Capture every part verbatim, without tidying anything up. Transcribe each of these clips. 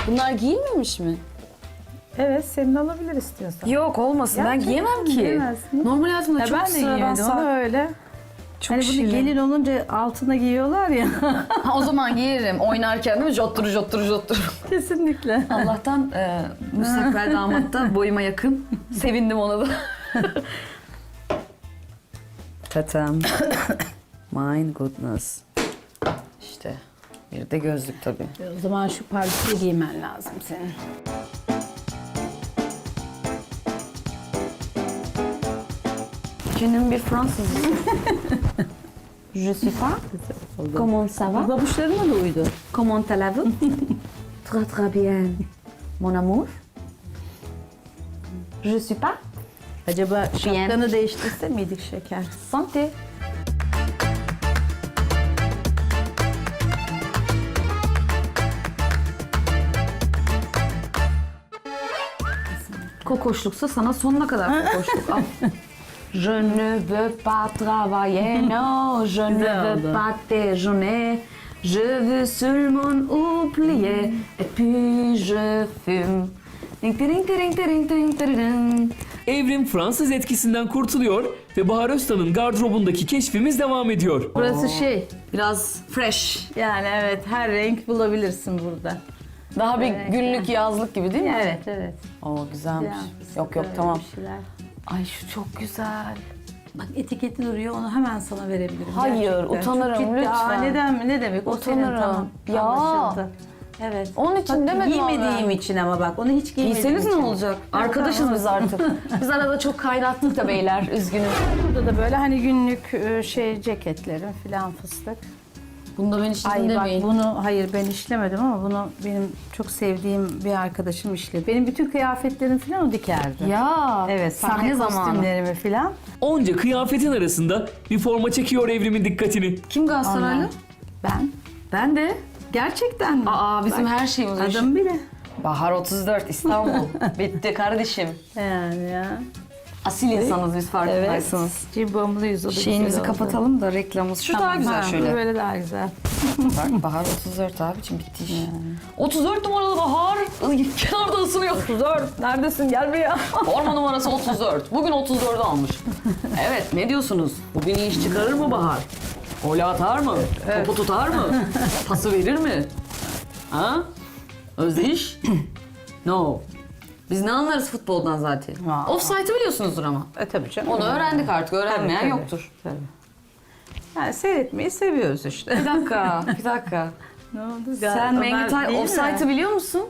Bunlar giyilmemiş mi? Evet, senin alabilir istiyorsan. Yok olmasın. Ben Gerçekten giyemem ki. giyemezsin. Normal hayatımda Ya çok ben de sıradan giymedim onu sa- öyle. Çok Hani bunu şirin. gelin olunca altına giyiyorlar ya. Ha, o zaman giyerim. Oynarken değil mi? Jottur jottur jottur. Kesinlikle. Allah'tan e, müstakbel damat da boyuma yakın. Sevindim ona da. Tatam. My goodness. İşte bir de gözlük tabii. O zaman şu pardesüyü giymen lazım senin. Canım bir Fransız. Je suis pas. Comment ça va? Babuşlarına da uydu. Comment allez-vous? Très très bien. Mon amour. Je suis pas. Acaba şapkanı değiştirse miydik şeker? Santé. Kokoşluksa sana sonuna kadar kokoşluk. Al. Je ne veux pas travailler, non, je ne Güzel veux oldu. pas déjeuner, je veux seulement oublier, et puis je fume. Ding, ding, ding, ding, ding, ding, ding. Evrim Fransız etkisinden kurtuluyor ve Bahar Öztan'ın gardırobundaki keşfimiz devam ediyor. Burası şey, Biraz fresh. yani evet her renk bulabilirsin burada. Daha bir Evet. günlük yazlık gibi değil mi? Evet, evet. Oo güzelmiş. Yani Yok yok böyle tamam. bir şeyler. Ay şu çok güzel. Bak etiketi duruyor, onu hemen sana verebilirim. Hayır, Gerçekten. utanırım, Çok ciddi. lütfen. Aa, neden mi? Ne demek? O senin Utanırım. tamam. Ya. Anlaşıldı. Evet. Onun için Bak, demedim ama giymediğim ben. için ama bak, onu hiç giymediğim Giyseniz için. ne olacak? Ha, Arkadaşız tamam. biz artık. Biz arada çok kaynattık da beyler, üzgünüm. Burada da böyle hani günlük e, şey ceketlerim filan fıstık. Bunda ben işledim Ay bak demeyin. bunu hayır ben işlemedim ama bunu benim çok sevdiğim bir arkadaşım işledi. Benim bütün kıyafetlerim filan o dikerdi. Ya, Evet, sahne sahne zamanı. kostümlerimi filan. Onca kıyafetin arasında bir forma çekiyor Evrim'in dikkatini. Kim Galatasaraylı? Onlar. Ben. Ben de. Gerçekten mi? Aa bizim her şeyimiz o iş. Adım bile. Bahar otuz dört İstanbul. Bitti kardeşim. Yani ya. Asil insanız biz farkındaysanız. Cimbomluyuz o da Şeyimizi güzel oldu. kapatalım da reklamımız. Şu daha Tamam, güzel ha, şöyle. Böyle daha güzel. Bak Bahar otuz dört abicim bitti iş. otuz dört numaralı Bahar Iy, kenarda ısınıyor. otuz dört neredesin gel buraya. Forma numarası otuz dört. Bugün otuz dördü almış. Evet ne diyorsunuz? Bugün iyi iş çıkarır mı Bahar? Gol atar mı? Topu tutar mı? Pası verir mi? Ha? Özdeyiş? No. Biz ne anlarız futboldan zaten? Aa. Offside'ı biliyorsunuzdur ama. E tabii canım. Onu öğrendik artık. Öğrenmeyen Tabii, tabii, yoktur. Tabii. Yani seyretmeyi seviyoruz işte. Bir dakika, bir dakika. Ne oldu? Sen Mengütay Offside'ı biliyor musun?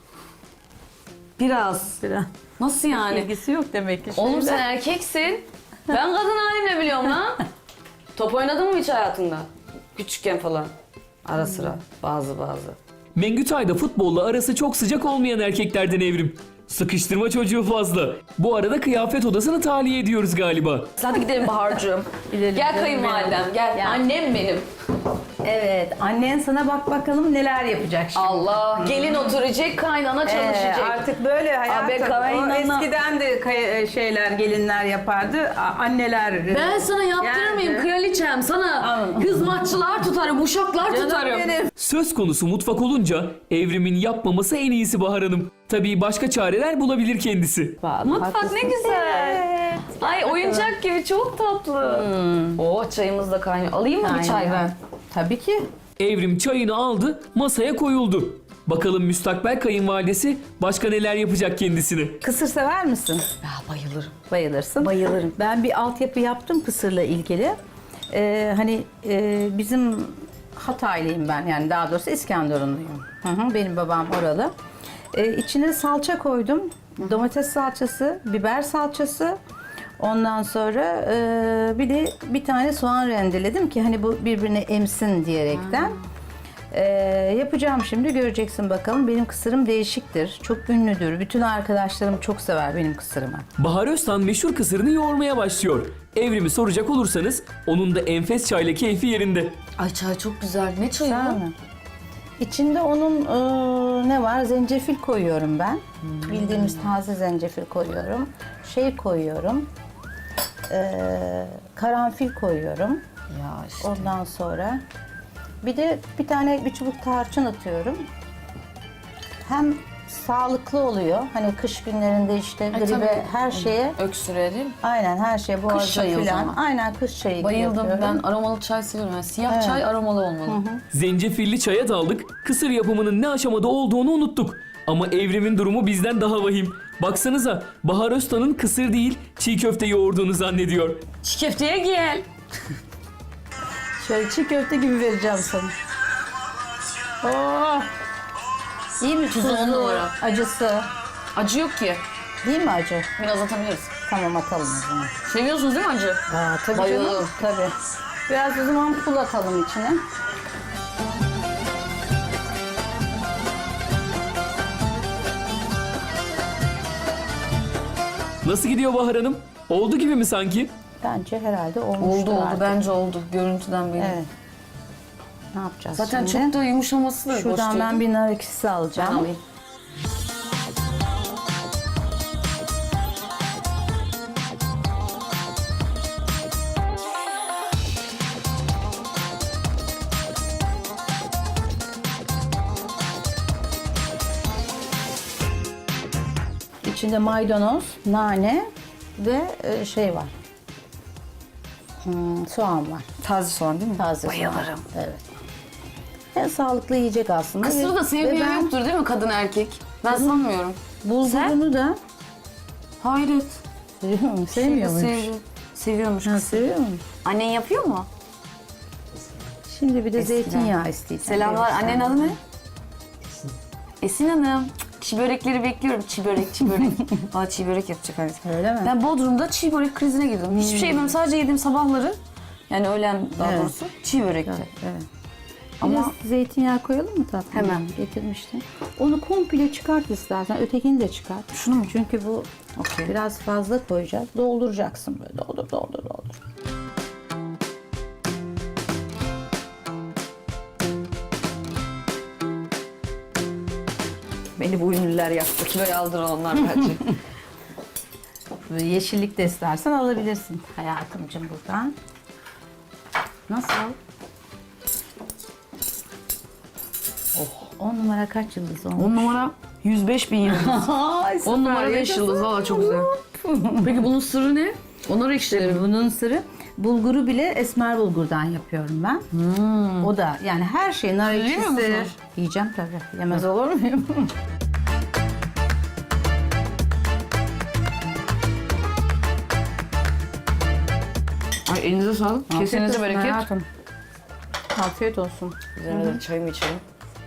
Biraz. Biraz. Nasıl yani? İlgisi yok demek ki. Oğlum şeyle. sen erkeksin. Ben kadın halimle biliyorum lan. Top oynadın mı hiç hayatında? Küçükken falan. Ara sıra. Bazı bazı. Mengütay da futbolla arası çok sıcak olmayan erkeklerden Evrim. Sıkıştırma çocuğu fazla. Bu arada kıyafet odasını tahliye ediyoruz galiba. Hadi gidelim Bahar'cığım. Gidelim, Gel gidelim, kayınvalidem gel. Ya. Annem benim. Evet, annen sana bak bakalım neler yapacak şimdi. Allah. Gelin oturacak, kaynana Ee, çalışacak. artık böyle hayatım. Abi, kaynana- O eskiden de kay- şeyler gelinler yapardı. A- Anneler. Ben sana yaptırır mıyım Yani. kraliçem? Sana Anladım. hızmatçılar tutarım, uşaklar Canım tutarım. benim. Söz konusu mutfak olunca Evrim'in yapmaması en iyisi Bahar Hanım. Tabii başka çareler bulabilir kendisi. Vallahi Mutfak ne haklısın. güzel. Evet. Ay oyuncak gibi çok tatlı. Oh çayımız da kaynıyor. Alayım mı bir çay Aynen. ben? Tabii ki. Evrim çayını aldı, masaya koyuldu. Bakalım müstakbel kayınvalidesi başka neler yapacak kendisine. Kısır sever misin? Ya bayılırım. Bayılırsın. Bayılırım. Ben bir altyapı yaptım kısırla ilgili. Ee, hani e, bizim Hataylıyım ben, yani daha doğrusu İskenderunluyum. Hı hı, benim babam oralı. Ee, içine salça koydum. Domates salçası, biber salçası. Ondan sonra e, bir de bir tane soğan rendeledim ki hani bu birbirine emsin diyerekten. Ee, yapacağım şimdi, göreceksin bakalım. Benim kısırım değişiktir. Çok ünlüdür. Bütün arkadaşlarım çok sever benim kısırımı. Bahar Öztan meşhur kısırını yoğurmaya başlıyor. Evrim'i soracak olursanız onun da enfes çayla keyfi yerinde. Ay çay çok güzel. Ne çayı Güzel bu? mi? İçinde onun e, ne var? Zencefil koyuyorum ben. Bildiğimiz taze zencefil koyuyorum. Şey koyuyorum. E, karanfil koyuyorum. Ya işte. Ondan sonra bir de bir tane bir çubuk tarçın atıyorum. hem sağlıklı oluyor. Hani kış günlerinde işte gribe tabii. her şeye Öksürüğe değil mi? aynen her şeye boğaza çayı o filan. zaman. Aynen kış çayı Bayıldım. yapıyorum. Ben aromalı çay seviyorum. Yani siyah Evet. çay aromalı olmalı. Zencefilli çaya daldık, kısır yapımının ne aşamada olduğunu unuttuk. Ama Evrim'in durumu bizden daha vahim. Baksanıza, Bahar Öztan'ın kısır değil, çiğ köfte yoğurduğunu zannediyor. Çiğ köfteye gel. Şöyle çiğ köfte gibi vereceğim sana. Oh! İyi mi? Tuzu on Tuzlu, numara. acısı. Acı yok ki. Değil mi acı? Biraz atabiliriz. Tamam atalım o zaman. Seviyorsunuz değil mi acı? Aa, tabii Bayıldım. canım. Tabii. Biraz o zaman pul atalım içine. Nasıl gidiyor Bahar Hanım? Oldu gibi mi sanki? Bence herhalde olmuştur Oldu oldu. artık. Bence oldu. Görüntüden belli. Evet. Ne yapacağız Zaten şimdi? çok da yumuşaması da hoş Şuradan değil. ben bir nar ekşisi alacağım. Ben alayım. İçinde maydanoz, nane ve e, şey var. Hmm, soğan var. Taze soğan değil mi? Taze Bayılırım. soğan. Evet. En sağlıklı yiyecek aslında. Kısırı Ve- da ve sevmeyen ben yoktur değil mi kadın erkek? Ben sanmıyorum. bulgurunu da Hayret. seviyorum. Sevmiyor muymuş? Seviyor. Seviyormuş Ha, kısır. seviyor mu? Annen yapıyor mu? Şimdi bir de Eskiden. zeytinyağı isteyeceğim. Selamlar. Verirsen. Annenin adı ne? Esin Hanım. Çiğ börekleri bekliyorum. Çiğ börek, çiğ börek. Valla çiğ börek yapacak anne. Öyle mi? Ben Bodrum'da çiğ börek krizine girdim. Hiçbir şey yemem. Sadece yediğim sabahları. Yani öğlen daha Evet. doğrusu. Çiğ börekti. Evet. Ama- Ama zeytinyağı koyalım mı tatlım? Hemen. Getirmiştim. Onu komple çıkart istersen. Ötekini de çıkart. Şunu mu? Çünkü bu Okey. biraz fazla koyacağız. Dolduracaksın böyle. Doldur, doldur, doldur. Beni bu ünlüler yaktı. Kiloyu aldıran onlar bence. Böyle yeşillik de istersen alabilirsin hayatımcığım buradan. Nasıl? Oh. On numara kaç yıldız olmuş? On numara yüz beş bin yıldız. Ay, On numara süper. beş yıldız. Valla çok güzel. Peki bunun sırrı ne? Onlar ekşileri mi? Bunun sırrı bulguru bile esmer bulgurdan yapıyorum ben. O da yani her şey nar Yemiyor ekşisi. musunuz? Yiyeceğim tabii. Yemez olur muyum? Ay elinize sağlık. Kesinize olsun bereket. hayatım. Afiyet olsun. Üzerine de çayımı içelim.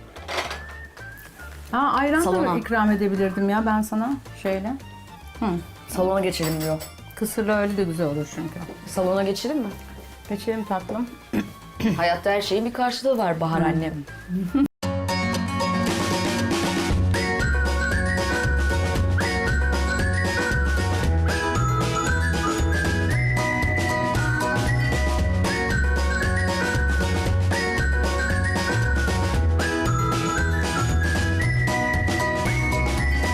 Ha ayran Salona. da ikram edebilirdim ya ben sana şöyle. Salona geçelim diyor. Kısırla öyle de güzel olur çünkü. Salona geçelim mi? Geçelim tatlım. Hayatta her şeyin bir karşılığı var Bahar annem.